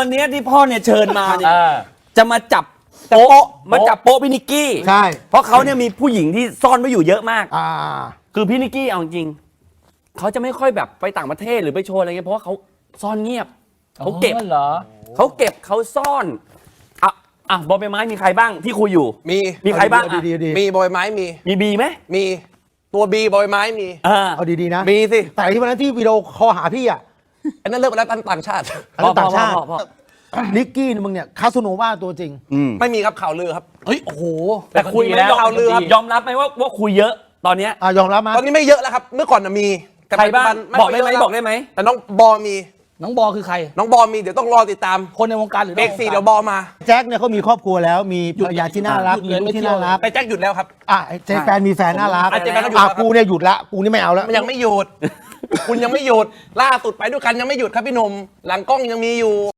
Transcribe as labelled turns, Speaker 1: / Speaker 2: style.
Speaker 1: วันนี้ที่พ่อเนี่ยเชิญมาเนี่ยจะมาจับโป๊ะพี่นิกกี้
Speaker 2: ใช่
Speaker 1: เพราะเขาเนี่ยมีผู้หญิงที่ซ่อนไว้อยู่เยอะมาก
Speaker 2: อ่า
Speaker 1: คือพี่นิกกี้เอาจริงเขาจะไม่ค่อยแบบไปต่างประเทศหรือไปโชว์อะไรเงี้ยเพราะว่าเขาซ่อนเงียบเขาเก็บ
Speaker 3: เหรอ
Speaker 1: เขาเก็บเขาซ่อนบอลใบไม้มีใครบ้างที่คุยอยู่
Speaker 4: มี
Speaker 1: ใครบ้าง
Speaker 2: ดีดี
Speaker 4: มีบอยไม้
Speaker 1: มีบีไหม
Speaker 4: มีตัวบีบอยไม้มี
Speaker 2: เอาดีๆนะ
Speaker 4: มีสิ
Speaker 2: แต่ที่วันนั้นที่วิดีโอคอลหาพี่อ่ะ
Speaker 4: อันนั้นเลิกไปแล้วต่างชาติ
Speaker 2: อันนั้นต่างชาติ
Speaker 1: พ่อ
Speaker 2: นิกกี้มึงเนี่ยคาสโนวาตัวจริง
Speaker 4: ไม่มีครับข่าวลือครับ
Speaker 3: เฮ้ยโอ้โห
Speaker 1: แต่คุยไหม
Speaker 4: แล้วเอาเรือครับ
Speaker 1: ยอมรับไหมว่าคุยเยอะตอนเนี้ย
Speaker 2: ยอมรับมั้ย
Speaker 4: ตอนนี้ไม่เยอะแล้วครับ เมื่อก่อนน่ะมีแต่
Speaker 1: ใครบ้าง
Speaker 4: ปัจจุ
Speaker 1: บอกได้ไหม
Speaker 4: ค่ยเยะ
Speaker 1: บอกได้ไหม
Speaker 4: แต่น้องบอมี
Speaker 3: น้องบอคือใคร
Speaker 4: น้องบอมีเดี๋ยวต้องรอติดตาม
Speaker 3: คนในวงการหรือ
Speaker 4: เบรกสี่เดี๋ยวบอมา
Speaker 2: แจ็คเนี่ยเขามีครอบครัวแล้วมีภรรยาที่น่ารัก
Speaker 3: หยุด
Speaker 2: มี
Speaker 3: เลย
Speaker 2: ลู
Speaker 3: ไม่
Speaker 2: กที่
Speaker 3: เที่ยว
Speaker 2: น่ารัก
Speaker 4: แต่แจ็คหยุดแล้วครับ
Speaker 2: เจแฟนมีแฟนน่ารัก
Speaker 4: เจแฟนก็หยุดแล้วครับ
Speaker 2: กูเนี่ยหยุดละกูนี่ไม่เอาแล้ว
Speaker 4: มันยังไม่หยุด คุณยังไม่หยุดล่าสุดไปด้วยกันยังไม่หยุดครับพี่หนุ่มหลังกล้องยังมีอยู่